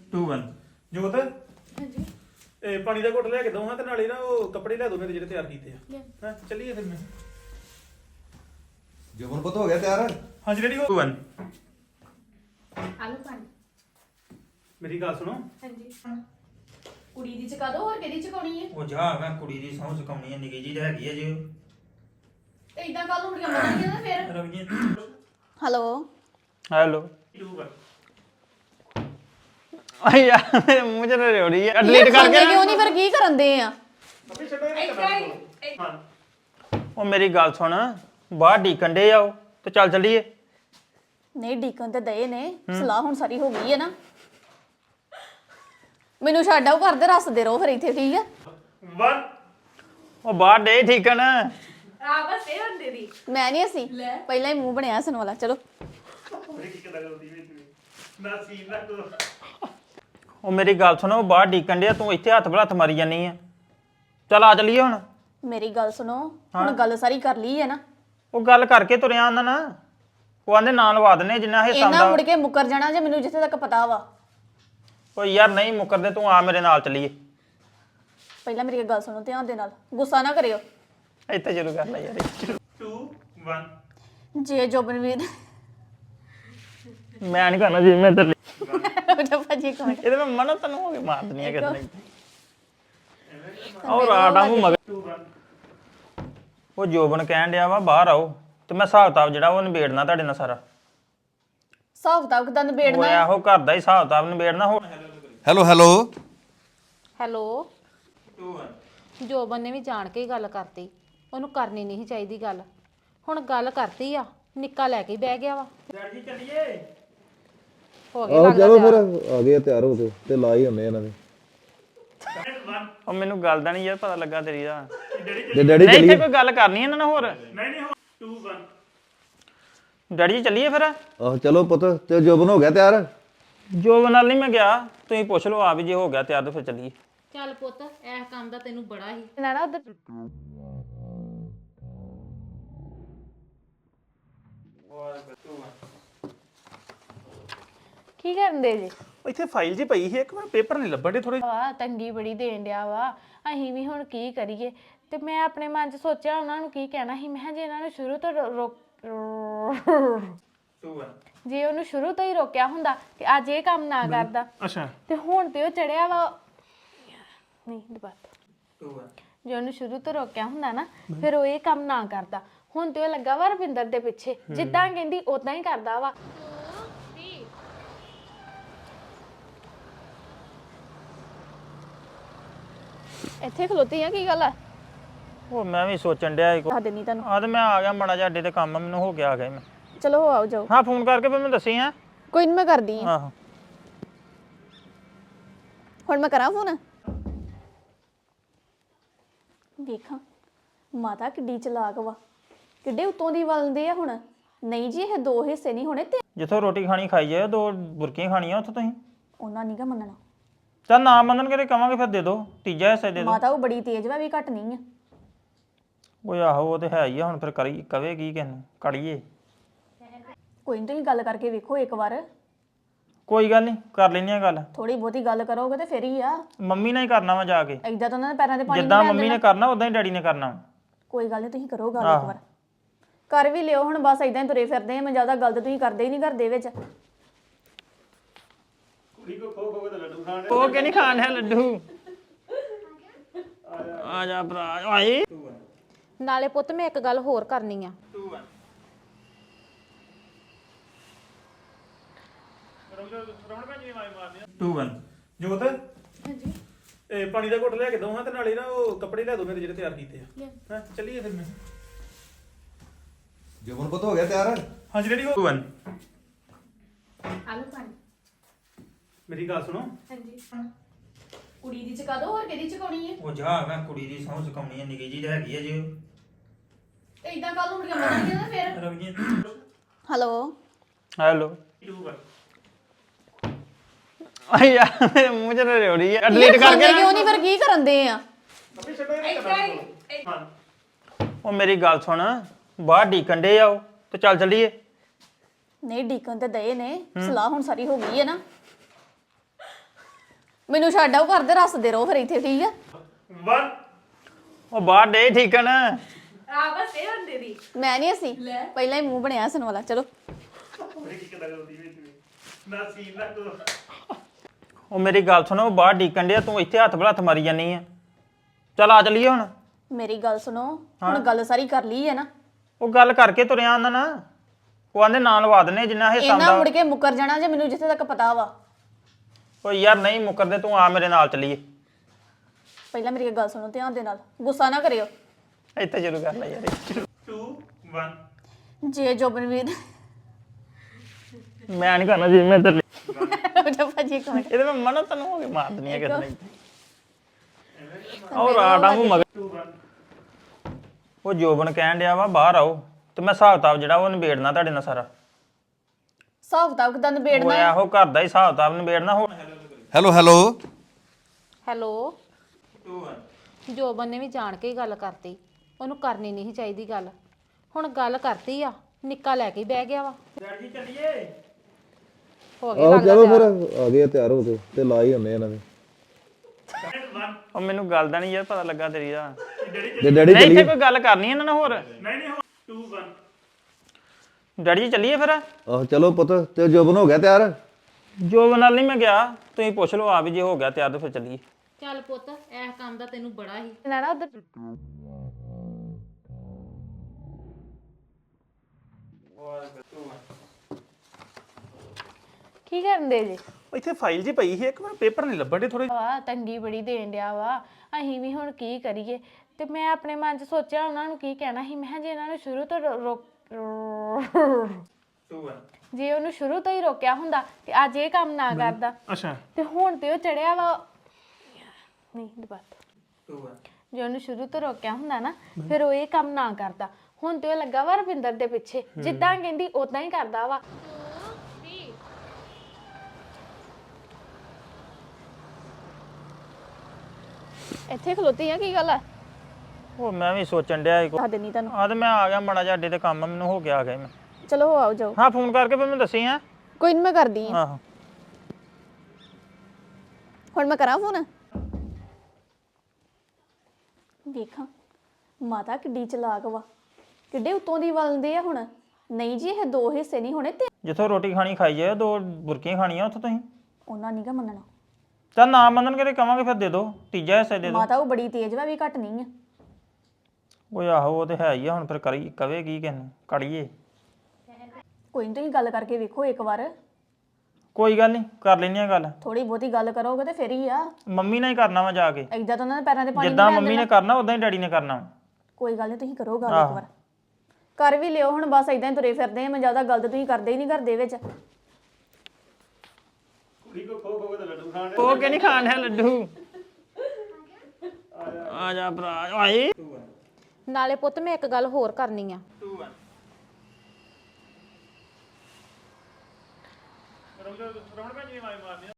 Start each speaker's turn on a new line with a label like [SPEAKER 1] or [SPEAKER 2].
[SPEAKER 1] 2 1 ਜੋਤ
[SPEAKER 2] ਹਾਂਜੀ
[SPEAKER 1] ਇਹ ਪਾਣੀ ਦਾ ਘੁੱਟ ਲੈ ਕੇ ਦਵਾਂ ਤੇ ਨਾਲੇ ਨਾ ਉਹ ਕੱਪੜੇ ਲੈ ਦੋ ਮੇਰੇ ਜਿਹੜੇ ਤਿਆਰ ਕੀਤੇ ਆ ਹਾਂ ਚੱਲੀਏ ਫਿਰ ਮੈਂ
[SPEAKER 3] ਜਮਨ ਪੁੱਤ ਹੋ ਗਿਆ ਤਿਆਰ
[SPEAKER 1] ਹਾਂਜੀ ਰੈਡੀ ਹੋ 2 1
[SPEAKER 2] ਆਲੂ ਪਾਣੀ
[SPEAKER 1] ਮੇਰੀ ਗੱਲ ਸੁਣੋ
[SPEAKER 2] ਹਾਂਜੀ ਕੁੜੀ ਦੀ ਚਕਾ ਦੋ ਹੋਰ ਕਿਹਦੀ ਚਕਾਉਣੀ ਹੈ
[SPEAKER 4] ਉਹ ਜਾ ਮੈਂ ਕੁੜੀ ਦੀ ਸਹੁੰ ਚੁਕਾਉਣੀ ਹੈ ਨਿੱਕੀ ਜੀ ਹੈਗੀ ਹੈ ਜੀ
[SPEAKER 2] ਤੇ ਇਦਾਂ ਕੱਲ ਨੂੰ ਮੁੜੀਆਂ ਬਣਾਈਆਂ ਨਾ ਫਿਰ
[SPEAKER 4] ਰਵੀ
[SPEAKER 5] हेलो
[SPEAKER 1] ਹੈਲੋ 2 1
[SPEAKER 6] यार मुझे ना हो रही है डिलीट करके
[SPEAKER 5] क्यों नहीं फिर की करन दे आ
[SPEAKER 1] ਅੱਬੀ ਛੱਡੋ ਇਹ ਕਰਨਾ ਹਾਂ
[SPEAKER 6] ओ मेरी गल सुन बाहर ਡੀਕਣ ਡੇ ਆਓ ਤੇ ਚੱਲ ਚੱਲੀਏ
[SPEAKER 5] नहीं ਡੀਕਨ ਤੇ ਦਏ ਨੇ ਸਲਾਹ ਹੁਣ ਸਾਰੀ ਹੋ ਗਈ ਹੈ ਨਾ ਮੈਨੂੰ ਛੱਡ ਆਓ ਘਰ ਦੇ ਰਸਦੇ ਰਹੋ ਫਿਰ ਇੱਥੇ ਠੀਕ ਆ
[SPEAKER 1] 1
[SPEAKER 6] ਉਹ ਬਾਹਰ ਡੇ ਡੀਕਣ
[SPEAKER 2] ਆ ਬਸ ਇਹ ਹੁੰਦੇ ਦੀ
[SPEAKER 5] ਮੈਂ ਨਹੀਂ ਅਸੀਂ ਪਹਿਲਾਂ ਹੀ ਮੂੰਹ ਬਣਿਆ ਸਨ ਵਾਲਾ ਚਲੋ
[SPEAKER 1] ਕੀ ਕਿਦਾਂ ਕਰਦੀ ਵਿੱਚ ਨਾ ਸੀਨ ਨਾ ਕੋ
[SPEAKER 6] ਉਹ ਮੇਰੀ ਗੱਲ ਸੁਣੋ ਬਾਹਰ ਡੀਕਣ ਡਿਆ ਤੂੰ ਇੱਥੇ ਹੱਥ ਬਲੱਥ ਮਾਰੀ ਜਾਨੀ ਆ ਚੱਲ ਆ ਚੱਲੀਏ ਹੁਣ
[SPEAKER 5] ਮੇਰੀ ਗੱਲ ਸੁਣੋ ਹੁਣ ਗੱਲ ਸਾਰੀ ਕਰ ਲਈ ਹੈ ਨਾ
[SPEAKER 6] ਉਹ ਗੱਲ ਕਰਕੇ ਤੁਰਿਆ ਉਹਨਾਂ ਨਾਲ ਉਹ ਆਂਦੇ ਨਾਂ ਲਵਾ ਦਨੇ ਜਿੰਨਾ ਹਿੱਸਾ
[SPEAKER 5] ਇਹਨਾਂ
[SPEAKER 6] ਹੁੰਦਾ
[SPEAKER 5] ਮੁੜ ਕੇ ਮੁੱਕਰ ਜਾਣਾ ਜੇ ਮੈਨੂੰ ਜਿੱਥੇ ਤੱਕ ਪਤਾ ਵਾ
[SPEAKER 6] ਉਹ ਯਾਰ ਨਹੀਂ ਮੁੱਕਰਦੇ ਤੂੰ ਆ ਮੇਰੇ ਨਾਲ ਚੱਲੀਏ
[SPEAKER 5] ਪਹਿਲਾਂ ਮੇਰੀ ਗੱਲ ਸੁਣੋ ਧਿਆਨ ਦੇ ਨਾਲ ਗੁੱਸਾ ਨਾ ਕਰਿਓ
[SPEAKER 6] ਇੱਥੇ ਸ਼ੁਰੂ ਕਰ ਲੈ ਯਾਰ
[SPEAKER 1] 2 1
[SPEAKER 5] ਜੇ ਜੋਬਨਵੀਰ
[SPEAKER 6] ਮੈਂ ਨਹੀਂ ਕਰਨਾ ਜੀ ਮੈਂ ਤੇ
[SPEAKER 5] ਉਹਦਾ ਭਾਜੀ ਕੋਲ
[SPEAKER 6] ਇਹਦੇ ਮੈਂ ਮਨ ਤੈਨੂੰ ਹੋ ਕੇ ਮਾਰ ਦਨੀ ਆ ਕਿਤੇ ਉਹ ਰਾਡਾ ਨੂੰ ਮਗਰ
[SPEAKER 1] 2 1
[SPEAKER 6] ਉਹ ਜੋਬਨ ਕਹਿਣ ਡਿਆ ਵਾ ਬਾਹਰ ਆਓ ਤੇ ਮੈਂ ਹਿਸਾਬ ਕਿਤਾਬ ਜਿਹੜਾ ਉਹ ਨਿਬੇੜਨਾ ਤੁਹਾਡੇ ਨਾਲ ਸਾਰਾ
[SPEAKER 5] ਹਿਸਾਬ ਕਿਤਾਬ ਕਿਦਾਂ ਨਿਬੇੜਨਾ
[SPEAKER 6] ਉਹ ਆਹੋ ਘਰ ਦਾ ਹੀ ਹਿਸਾਬ ਕਿਤਾਬ ਨਿਬੇੜਨਾ ਹੋ
[SPEAKER 3] ਹੈਲੋ ਹੈਲੋ
[SPEAKER 7] ਹੈਲੋ
[SPEAKER 1] 2 1
[SPEAKER 7] ਜੋਬਨ ਨੇ ਵੀ ਜਾਣ ਕੇ ਹੀ ਗੱਲ ਕਰਤੀ ਉਹਨੂੰ ਕਰਨੀ ਨਹੀਂ ਚਾਹੀਦੀ ਗੱਲ ਹੁਣ ਗੱਲ ਕਰਤੀ ਆ ਨਿੱਕਾ ਲੈ ਕੇ ਹੀ ਬਹਿ ਗਿਆ ਵਾ
[SPEAKER 1] ਡੈਡ ਜੀ ਚੱਲੀਏ
[SPEAKER 7] ਹੋ ਗਿਆ
[SPEAKER 3] ਆਹੋ
[SPEAKER 7] ਲੱਗਦਾ
[SPEAKER 3] ਚਲੋ ਫਿਰ
[SPEAKER 7] ਤਿਆਰ।
[SPEAKER 3] ਆ ਗਏ ਤਿਆਰ ਹੋ ਤੇ ਲਾ ਹੀ ਹੁੰਨੇ ਇਹਨਾਂ ਦੇ
[SPEAKER 6] ਉਹ ਮੈਨੂੰ ਗੱਲ ਦਾ ਨਹੀਂ ਯਾਰ ਪਤਾ ਲੱਗਾ ਤੇਰੀ ਦਾ
[SPEAKER 3] ਜੇ ਡੈਡੀ
[SPEAKER 6] ਨਹੀਂ ਇੱਥੇ
[SPEAKER 3] ਚੱਲੀਏ
[SPEAKER 6] ਕੋਈ ਗੱਲ ਕਰਨੀ ਇਹਨਾਂ ਨਾਲ ਹੋਰ
[SPEAKER 1] ਨਹੀਂ ਨਹੀਂ 2 1
[SPEAKER 6] ਡੈਡੀ ਜੀ ਚੱਲੀਏ ਫਿਰ
[SPEAKER 3] ਆਹੋ ਚਲੋ ਪੁੱਤ ਤੇ ਜੋਬਨ ਹੋ ਗਿਆ ਤਿਆਰ
[SPEAKER 6] ਜੋਬਨ ਨਾਲ ਨਹੀਂ ਮੈਂ ਗਿਆ ਤੁਸੀਂ ਪੁੱਛ ਲਓ ਆ ਵੀ ਜੇ ਹੋ ਗਿਆ ਤਿਆਰ ਤਾਂ ਫਿਰ ਚੱਲੀਏ
[SPEAKER 7] ਚੱਲ ਪੁੱਤ ਇਹ ਕੰਮ ਦਾ ਤੈਨੂੰ ਬੜਾ ਹੀ
[SPEAKER 5] ਨਾ ਨਾ ਉਧਰ ਕੀ ਕਰਨ ਦੇ ਜੀ
[SPEAKER 1] ਇੱਥੇ ਫਾਈਲ ਜੀ ਪਈ ਸੀ ਇੱਕ ਵਾਰ ਪੇਪਰ ਨਹੀਂ ਲੱਭਣ ਦੇ ਥੋੜੇ
[SPEAKER 5] ਵਾ ਤੰਗੀ ਬੜੀ ਦੇਣ ਡਿਆ ਵਾ ਅਸੀਂ ਵੀ ਹੁਣ ਕੀ ਕਰੀਏ ਤੇ ਮੈਂ ਆਪਣੇ ਮਨ 'ਚ ਸੋਚਿਆ ਉਹਨਾਂ ਨੂੰ ਕੀ ਕਹਿਣਾ ਸੀ ਮੈਂ ਕਿਹਾ ਜੇ ਇਹਨਾਂ ਨੂੰ ਸ਼ੁਰੂ ਤੋਂ
[SPEAKER 1] 2 1
[SPEAKER 5] ਜੇ ਉਹਨੂੰ ਸ਼ੁਰੂ ਤੋਂ ਹੀ ਰੋਕਿਆ ਹੁੰਦਾ ਤੇ ਅੱਜ ਇਹ ਕੰਮ ਨਾ ਕਰਦਾ
[SPEAKER 1] ਅੱਛਾ
[SPEAKER 5] ਤੇ ਹੁਣ ਤੇ ਉਹ ਚੜਿਆ ਵਾ ਨਹੀਂ ਦੁਬਾਰਾ
[SPEAKER 1] 2 1
[SPEAKER 5] ਜੇ ਉਹਨੂੰ ਸ਼ੁਰੂ ਤੋਂ ਰੋਕਿਆ ਹੁੰਦਾ ਨਾ ਫਿਰ ਉਹ ਇਹ ਕੰਮ ਨਾ ਕਰਦਾ ਹੁਣ ਤੇ ਉਹ ਲੱਗਾ ਵਾ ਰਵਿੰਦਰ ਦੇ ਪਿੱਛੇ ਜਿੱਦਾਂ ਕਹਿੰਦੀ ਉਦਾਂ ਹੀ ਕਰਦਾ ਵਾ ਇੱਥੇ ਖਲੋਤੀ ਆ ਕੀ ਗੱਲ ਆ
[SPEAKER 6] ਉਹ ਮੈਂ ਵੀ ਸੋਚਣ ਡਿਆ ਸੀ
[SPEAKER 5] ਦੱਸ ਦੇਣੀ ਤੁਹਾਨੂੰ
[SPEAKER 6] ਆ ਤੇ ਮੈਂ ਆ ਗਿਆ ਮਾੜਾ ਜਿਹਾ ਅੱਡੇ ਤੇ ਕੰਮ ਆ, ਮੈਨੂੰ ਹੋ ਗਿਆ ਆ ਗਿਆ ਮੈਂ
[SPEAKER 5] ਚਲੋ ਆਓ ਜਾਓ
[SPEAKER 6] ਹਾਂ ਫੋਨ ਕਰਕੇ ਫਿਰ ਮੈਨੂੰ ਦੱਸੀ ਹਾਂ
[SPEAKER 5] ਕੋਈ ਨਹੀਂ ਮੈਂ ਕਰਦੀ ਆ
[SPEAKER 6] ਆਹੋ
[SPEAKER 5] ਹੁਣ ਮੈਂ ਕਰਾਂ ਫੋਨ ਦੇਖਾਂ ਮਾਤਾ ਕਿੱਡੀ ਚਲਾਕ ਵਾ ਕਿੱਡੇ ਉਤੋਂ ਦੀ ਵਲਦੇ ਆ ਹੁਣ ਨਹੀਂ ਜੀ ਇਹ ਦੋ ਹਿੱਸੇ ਨਹੀਂ ਹੋਣੇ ਤੇ
[SPEAKER 6] ਜਿੱਥੋਂ ਰੋਟੀ ਖਾਣੀ ਖਾਈ ਜਾਏ ਦੋ ਬੁਰਕੀਆਂ ਖਾਣੀਆਂ ਉੱਥੋਂ ਤੁਸੀਂ
[SPEAKER 5] ਉਹਨਾਂ ਨੀਗਾ ਮੰਨਣਾ
[SPEAKER 6] ਚੱਲ ਨਾ ਮੰਨਣਗੇ ਤੇ ਕਵਾਂਗੇ ਫਿਰ ਦੇ ਦਿਓ ਤੀਜਾ ਹਿੱਸਾ ਦੇ ਦਿਓ
[SPEAKER 5] ਮਾਤਾ ਉਹ ਬੜੀ ਤੇਜ਼ ਵਾ ਵੀ ਘੱਟ ਨਹੀਂ ਆ
[SPEAKER 6] ਓਏ ਆਹੋ ਉਹ ਤੇ ਹੈ ਹੀ ਆ ਹੁਣ ਫਿਰ ਕਰੀ ਕਵੇ ਕੀ ਕਿਹਨੂੰ ਕੜੀਏ
[SPEAKER 5] ਕੋਈ ਨਹੀਂ ਤੁਸੀਂ ਗੱਲ ਕਰਕੇ ਵੇਖੋ ਇੱਕ ਵਾਰ
[SPEAKER 6] ਕੋਈ ਗੱਲ ਨਹੀਂ ਕਰ ਲੈਣੀ ਆ ਗੱਲ
[SPEAKER 5] ਥੋੜੀ ਬਹੁਤੀ ਗੱਲ ਕਰੋਗੇ ਤੇ ਫਿਰ ਹੀ ਆ
[SPEAKER 6] ਮੰਮੀ ਨਾਲ ਹੀ ਕਰਨਾ ਵਾ ਜਾ ਕੇ
[SPEAKER 5] ਏਦਾਂ ਤਾਂ ਉਹਨਾਂ ਦੇ ਪੈਰਾਂ ਤੇ ਪਾਣੀ
[SPEAKER 6] ਜਿੱਦਾਂ
[SPEAKER 5] ਨਹੀਂ
[SPEAKER 6] ਮੰਮੀ ਨੇ ਕਰਨਾ ਉਦਾਂ ਹੀ ਡੈਡੀ ਨੇ ਕਰਨਾ ਵਾ।
[SPEAKER 5] ਕੋਈ ਗੱਲ ਨਹੀਂ ਤੁਸੀਂ ਕਰੋ ਗੱਲ ਇੱਕ ਵਾਰ ਕਰ ਵੀ ਲਿਓ ਹੁਣ ਬਸ ਏਦਾਂ ਹੀ ਤੁਰੇ ਫਿਰਦੇ ਆ ਮੈਂ ਜ਼ਿਆਦਾ ਗੱਲ ਤੇ ਤੁਸੀਂ ਕਰਦੇ ਹੀ ਨਹੀਂ ਘਰ ਦੇ ਵਿੱਚ
[SPEAKER 1] ਕੁੜੀ ਕੋ ਖੋ ਖੋ ਕੇ ਤਾਂ ਲੱਡੂ ਖਾਣ
[SPEAKER 6] ਉਹ ਕਿ ਨਹੀਂ ਖਾਣ ਹੈ ਲੱਡੂ ਆ ਜਾ ਭਰਾ ਆਏ
[SPEAKER 7] ਨਾਲੇ ਪੁੱਤ ਮੈਂ ਇੱਕ ਗੱਲ ਹੋਰ ਕਰਨੀ ਆ
[SPEAKER 1] 2 1 ਰਮਣ ਭੈਣ ਜੀ ਆਵਾਜ਼ ਮਾਰਨੀ 2 1 ਜੋਤ
[SPEAKER 2] ਹਾਂਜੀ
[SPEAKER 1] ਇਹ ਪਾਣੀ ਦਾ ਘੁੱਟ ਲੈ ਕੇ ਦਵਾਂ ਤੇ ਨਾਲੇ ਨਾ ਉਹ ਕੱਪੜੇ ਲੈ ਦੋ ਮੇਰੇ ਜਿਹੜੇ ਤਿਆਰ ਕੀਤੇ ਆ ਹਾਂ ਚੱਲੀਏ ਫਿਰ ਮੈਂ
[SPEAKER 3] ਜਮਨ ਪੁੱਤ ਹੋ ਗਿਆ ਤਿਆਰ
[SPEAKER 1] ਹਾਂਜੀ ਰੈਡੀ ਹੋ 2 1
[SPEAKER 2] ਆਲੂ ਪਾਣੀ
[SPEAKER 1] ਮੇਰੀ ਗੱਲ ਸੁਣੋ
[SPEAKER 2] ਹਾਂਜੀ ਕੁੜੀ ਦੀ ਚਕਾ ਦੋ ਹੋਰ ਕਿਹਦੀ ਚਕਾਉਣੀ ਹੈ
[SPEAKER 4] ਉਹ ਜਾ ਮੈਂ ਕੁੜੀ ਦੀ ਸਹੁੰ ਚੁਕਾਉਣੀ ਹੈ ਨਿੱਕੀ ਜੀ ਹੈਗੀ ਹੈ ਜੀ
[SPEAKER 2] ਤੇ ਇਦਾਂ ਕੱਲ ਨੂੰ ਮੁੜੀਆਂ ਬਣਾਈਆਂ ਨਾ ਫਿਰ
[SPEAKER 4] ਰਵੀ
[SPEAKER 5] ਹੈਲੋ
[SPEAKER 6] ਹੈਲੋ
[SPEAKER 1] 2 1
[SPEAKER 6] ਯਾਰ ਮੁਝੇ ਨਾ ਹੋ ਰਹੀ ਹੈ ਡਿਲੀਟ ਕਰਕੇ
[SPEAKER 5] ਕਿਉਂ ਨਹੀਂ ਫਿਰ ਕੀ ਕਰਨ ਦੇ ਆ
[SPEAKER 1] ਅੱਬੀ ਛੱਡੋ ਇਹ ਕਰਨਾ ਹਾਂ
[SPEAKER 6] ਉਹ ਮੇਰੀ ਗੱਲ ਸੁਣ ਬਾਹਰ ਡੀਕਣ ਡੇ ਆਓ ਤੇ ਚੱਲ ਚੱਲੀਏ
[SPEAKER 5] ਨਹੀਂ ਡੀਕਨ ਤੇ ਦਏ ਨੇ ਸਲਾਹ ਹੁਣ ਸਾਰੀ ਹੋ ਗਈ ਹੈ ਨਾ ਮੈਨੂੰ ਛੱਡ ਆਓ ਘਰ ਦੇ ਰਸਦੇ ਰਹੋ ਫਿਰ ਇੱਥੇ ਠੀਕ ਆ
[SPEAKER 1] 1
[SPEAKER 6] ਉਹ ਬਾਹਰ ਡੇ ਠੀਕਣ
[SPEAKER 2] ਆ ਬਸ ਇਹ ਹੁੰਦੇ ਦੀ
[SPEAKER 5] ਮੈਂ ਨਹੀਂ ਅਸੀਂ ਪਹਿਲਾਂ ਹੀ ਮੂੰਹ ਬਣਿਆ ਹੱਸਣ ਵਾਲਾ ਚਲੋ
[SPEAKER 1] ਨਾ ਸੀਨ ਨਾ ਕੋ
[SPEAKER 6] ਉਹ ਮੇਰੀ ਗੱਲ ਸੁਣੋ ਬਾਹਰ ਡੀਕਣ ਡਿਆ ਤੂੰ ਇੱਥੇ ਹੱਥ ਬਲੱਥ ਮਾਰੀ ਜਾਨੀ ਆ ਚੱਲ ਆ ਚਲੀਏ ਹੁਣ
[SPEAKER 5] ਮੇਰੀ ਗੱਲ ਸੁਣੋ ਹੁਣ ਗੱਲ ਸਾਰੀ ਕਰ ਲਈ ਹੈ ਨਾ
[SPEAKER 6] ਉਹ ਗੱਲ ਕਰਕੇ ਤੁਰਿਆ ਉਹਨਾਂ ਨਾਲ ਉਹ ਆਂਦੇ ਨਾਂ ਲਵਾ ਦਨੇ ਜਿੰਨਾ ਹਿੱਸਾ
[SPEAKER 5] ਇਹਨਾਂ
[SPEAKER 6] ਹੁੰਦਾ
[SPEAKER 5] ਮੁੜ ਕੇ ਮੁੱਕਰ ਜਾਣਾ ਜੇ ਮੈਨੂੰ ਜਿੱਥੇ ਤੱਕ ਪਤਾ ਵਾ
[SPEAKER 6] ਉਹ ਯਾਰ ਨਹੀਂ ਮੁੱਕਰਦੇ ਤੂੰ ਆ ਮੇਰੇ ਨਾਲ ਚੱਲੀਏ
[SPEAKER 5] ਪਹਿਲਾਂ ਮੇਰੀ ਗੱਲ ਸੁਣੋ ਧਿਆਨ ਦੇ ਨਾਲ ਗੁੱਸਾ ਨਾ ਕਰਿਓ
[SPEAKER 6] ਇੱਥੇ ਸ਼ੁਰੂ ਕਰ ਲੈ ਯਾਰ
[SPEAKER 1] 2 1
[SPEAKER 5] ਜੇ ਜੋਬਨਵੀਰ
[SPEAKER 6] ਮੈਂ ਨਹੀਂ ਕਰਨਾ ਜੀ ਮੈਂ ਤੇ
[SPEAKER 5] ਉਠਾ ਭਾਜੀ ਇੱਕ ਮਿੰਟ
[SPEAKER 6] ਇਹਦੇ ਮੈਂ ਮਨਾ ਤੈਨੂੰ ਹੋ ਕੇ ਮਾਰ ਦਨੀ ਆ ਕਿਤੇ ਉਹ ਰਾਡਾ ਨੂੰ ਮਗਰ
[SPEAKER 1] 2 1
[SPEAKER 6] ਉਹ ਜੋਬਨ ਕਹਿਣ ਡਿਆ ਵਾ ਬਾਹਰ ਆਓ ਤੇ ਮੈਂ ਹਿਸਾਬ ਕਿਤਾਬ ਜਿਹੜਾ ਉਹ ਨਿਬੇੜਨਾ ਤੁਹਾਡੇ ਨਾਲ ਸਾਰਾ
[SPEAKER 5] ਹਿਸਾਬ ਕਿਤਾਬ ਕਿਦਾਂ
[SPEAKER 6] ਉਹ
[SPEAKER 5] ਨਿਬੇੜਨਾ
[SPEAKER 6] ਇਹੋ ਘਰ ਦਾ ਹੀ ਹਿਸਾਬ ਕਿਤਾਬ ਨਿਬੇੜਨਾ ਹੋ
[SPEAKER 3] ਹੈਲੋ ਹੈਲੋ
[SPEAKER 7] ਹੈਲੋ
[SPEAKER 1] 2 1
[SPEAKER 7] ਜੋਬਨ ਨੇ ਵੀ ਜਾਣ ਕੇ ਹੀ ਗੱਲ ਕਰਤੀ ਉਹਨੂੰ ਕਰਨੀ ਨਹੀਂ ਚਾਹੀਦੀ ਗੱਲ ਹੁਣ ਗੱਲ ਕਰਤੀ ਆ ਨਿੱਕਾ ਲੈ ਕੇ ਹੀ ਬਹਿ ਗਿਆ ਵਾ
[SPEAKER 1] ਡੈਡ ਜੀ ਚੱਲੀਏ
[SPEAKER 7] ਹੋ ਗਿਆ
[SPEAKER 3] ਆਹੋ
[SPEAKER 7] ਲੱਗਦਾ
[SPEAKER 3] ਚਲੋ
[SPEAKER 7] ਤਿਆਰ।
[SPEAKER 3] ਫਿਰ ਆ ਗਏ ਤਿਆਰ ਹੋ ਕੇ ਤੇ ਲਾ ਹੀ ਹੁੰਦੇ ਇਹਨਾਂ ਦੇ
[SPEAKER 1] 1
[SPEAKER 6] ਉਹ ਮੈਨੂੰ ਗੱਲ ਦਾ ਨਹੀਂ ਯਾਰ ਪਤਾ ਲੱਗਾ ਤੇਰੀ ਦਾ
[SPEAKER 3] ਤੇ ਡੈਡੀ
[SPEAKER 6] ਨਹੀਂ ਇੱਥੇ
[SPEAKER 3] ਚੱਲੀਏ
[SPEAKER 6] ਕੋਈ ਗੱਲ ਕਰਨੀ ਇਹਨਾਂ ਨਾਲ ਹੋਰ
[SPEAKER 1] ਨਹੀਂ 2 1
[SPEAKER 6] ਡੈਡੀ ਜੀ ਚੱਲੀਏ ਫਿਰ
[SPEAKER 3] ਆਹੋ ਚਲੋ ਪੁੱਤ ਤੇ ਜੋਬਨ ਹੋ ਗਿਆ ਤਿਆਰ
[SPEAKER 6] ਜੋਬਨ ਨਾਲ ਨਹੀਂ ਮੈਂ ਗਿਆ ਤੁਸੀਂ ਪੁੱਛ ਲਓ ਆ ਵੀ ਜੇ ਹੋ ਗਿਆ ਤਿਆਰ ਤਾਂ ਫਿਰ ਚੱਲੀਏ
[SPEAKER 7] ਚੱਲ ਪੁੱਤ ਇਹ ਕੰਮ ਦਾ ਤੈਨੂੰ ਬੜਾ ਹੀ
[SPEAKER 5] ਨਾ ਨਾ ਉਧਰ ਕੀ ਕਰਦੇ ਜੀ
[SPEAKER 1] ਇੱਥੇ ਫਾਈਲ ਜੀ ਪਈ ਸੀ ਇੱਕ ਵਾਰ ਪੇਪਰ ਨਹੀਂ ਲੱਭਣ ਦੇ ਥੋੜੇ
[SPEAKER 8] ਵਾ ਤੰਗੀ ਬੜੀ ਦੇਣ ਡਿਆ ਵਾ ਅਸੀਂ ਵੀ ਹੁਣ ਕੀ ਕਰੀਏ ਤੇ ਮੈਂ ਆਪਣੇ ਮਨ 'ਚ ਸੋਚਿਆ ਉਹਨਾਂ ਨੂੰ ਕੀ ਕਹਿਣਾ ਸੀ ਮੈਂ ਕਿਹਾ ਜੇ ਇਹਨਾਂ ਨੂੰ ਸ਼ੁਰੂ ਤੋਂ
[SPEAKER 1] 2 1
[SPEAKER 8] ਜੇ ਉਹਨੂੰ ਸ਼ੁਰੂ ਤੋਂ ਹੀ ਰੋਕਿਆ ਹੁੰਦਾ ਤੇ ਅੱਜ ਇਹ ਕੰਮ ਨਾ ਕਰਦਾ
[SPEAKER 1] ਅੱਛਾ
[SPEAKER 8] ਤੇ ਹੁਣ ਤੇ ਉਹ ਚੜਿਆ ਵਾ ਨਹੀਂ ਦੁਬਾਰਾ
[SPEAKER 1] 2 1
[SPEAKER 8] ਜੇ ਉਹਨੂੰ ਸ਼ੁਰੂ ਤੋਂ ਰੋਕਿਆ ਹੁੰਦਾ ਨਾ ਫਿਰ ਉਹ ਇਹ ਕੰਮ ਨਾ ਕਰਦਾ ਹੁਣ ਤੇ ਉਹ ਲੱਗਾ ਵਾ ਰਵਿੰਦਰ ਦੇ ਪਿੱਛੇ ਜਿੱਦਾਂ ਕਹਿੰਦੀ ਉਦਾਂ ਹੀ ਕਰਦਾ ਵਾ
[SPEAKER 5] ਇੱਥੇ ਖਲੋਤੀ ਆ ਕੀ ਗੱਲ ਆ
[SPEAKER 6] ਉਹ ਮੈਂ ਵੀ ਸੋਚਣ ਡਿਆ ਸੀ
[SPEAKER 5] ਦੱਸ ਦੇਣੀ ਤੁਹਾਨੂੰ
[SPEAKER 6] ਆ ਤੇ ਮੈਂ ਆ ਗਿਆ ਮਾੜਾ ਜਿਹਾ ਅੱਡੇ ਤੇ ਕੰਮ ਆ, ਮੈਨੂੰ ਹੋ ਗਿਆ ਗਿਆ ਮੈਂ
[SPEAKER 5] ਚਲੋ ਆਓ ਜਾਓ
[SPEAKER 6] ਹਾਂ ਫੋਨ ਕਰਕੇ ਫਿਰ ਮੈਂ ਦੱਸੀ ਆ
[SPEAKER 5] ਕੋਈ ਨਹੀਂ ਮੈਂ ਕਰਦੀ ਆ
[SPEAKER 6] ਆਹੋ
[SPEAKER 5] ਹੁਣ ਮੈਂ ਕਰਾਂ ਫੋਨ ਵੇਖਾਂ ਮਾਤਾ ਕਿੱਡੀ ਚਲਾਕ ਵਾ ਕਿੱਡੇ ਉਤੋਂ ਦੀ ਵਲਦੇ ਆ ਹੁਣ ਨਹੀਂ ਜੀ ਇਹ ਦੋ ਹਿੱਸੇ ਨਹੀਂ ਹੋਣੇ ਤੇ
[SPEAKER 6] ਜਿੱਥੋਂ ਰੋਟੀ ਖਾਣੀ ਖਾਈ ਜਾਏ ਦੋ ਬੁਰਕੀਆਂ ਖਾਣੀਆਂ ਉੱਥੋਂ ਤੁਸੀਂ
[SPEAKER 5] ਉਹਨਾਂ ਨਹੀਂ ਗਾ ਮੰਨਣਾ
[SPEAKER 6] ਚੱਲ ਨਾ ਮੰਨਣਗੇ ਤੇ ਕਵਾਂਗੇ ਫਿਰ ਦੇ ਦਿਓ ਤੀਜਾ ਹਿੱਸਾ ਦੇ ਦਿਓ
[SPEAKER 5] ਮਾਤਾ ਉਹ ਬੜੀ ਤੇਜ਼ ਵਾ ਵੀ ਘਟ ਨਹੀਂ ਆ
[SPEAKER 6] ਉਹ ਆਹੋ ਉਹ ਤੇ ਹੈ ਹੀ ਆ ਹੁਣ ਫਿਰ ਕਰੀ ਕਵੇ ਕੀ ਕਿਸ ਨੂੰ ਕੜੀਏ
[SPEAKER 5] ਕੋਈ ਨਹੀਂ ਤੁਸੀਂ ਗੱਲ ਕਰਕੇ ਵੇਖੋ ਇੱਕ ਵਾਰ
[SPEAKER 6] ਕੋਈ ਗੱਲ ਨਹੀਂ ਕਰ ਲੈਣੀ ਆ ਗੱਲ
[SPEAKER 5] ਥੋੜੀ ਬਹੁਤੀ ਗੱਲ ਕਰੋਗੇ ਤੇ ਫਿਰ ਹੀ ਆ
[SPEAKER 6] ਮੰਮੀ ਨਾਲ ਹੀ ਕਰਨਾ ਵਾ ਜਾ ਕੇ
[SPEAKER 5] ਏਦਾਂ ਤਾਂ ਉਹਨਾਂ ਦੇ ਪੈਰਾਂ ਤੇ ਪਾਣੀ
[SPEAKER 6] ਜਿੱਦਾਂ
[SPEAKER 5] ਨਹੀਂ ਪੈਣ
[SPEAKER 6] ਮੰਮੀ ਨੇ ਕਰਨਾ ਉਦਾਂ ਹੀ ਡੈਡੀ ਨੇ ਕਰਨਾ ਵਾ।
[SPEAKER 5] ਕੋਈ ਗੱਲ ਨਹੀਂ ਤੁਸੀਂ ਕਰੋ ਗੱਲ ਇੱਕ ਵਾਰ ਕਰ ਵੀ ਲਿਓ ਹੁਣ ਬਸ ਏਦਾਂ ਹੀ ਤੁਰੇ ਫਿਰਦੇ ਆ ਮੈਂ ਜ਼ਿਆਦਾ ਗੱਲ ਤਾਂ ਤੁਸੀਂ ਕਰਦੇ ਹੀ ਨਹੀਂ ਘਰ ਦੇ ਵਿੱਚ
[SPEAKER 6] ਉਹ ਕਿ ਨਹੀਂ ਖਾਣ ਹੈ ਲੱਡੂ ਆ ਜਾ ਭਰਾ ਆਏ
[SPEAKER 7] ਨਾਲੇ ਪੁੱਤ ਮੈਂ ਇੱਕ ਗੱਲ ਹੋਰ ਕਰਨੀ ਆ
[SPEAKER 1] 2 1 ਰਮਣ ਭੈਣ ਜੀ ਆਵਾਜ਼ ਮਾਰਨੀ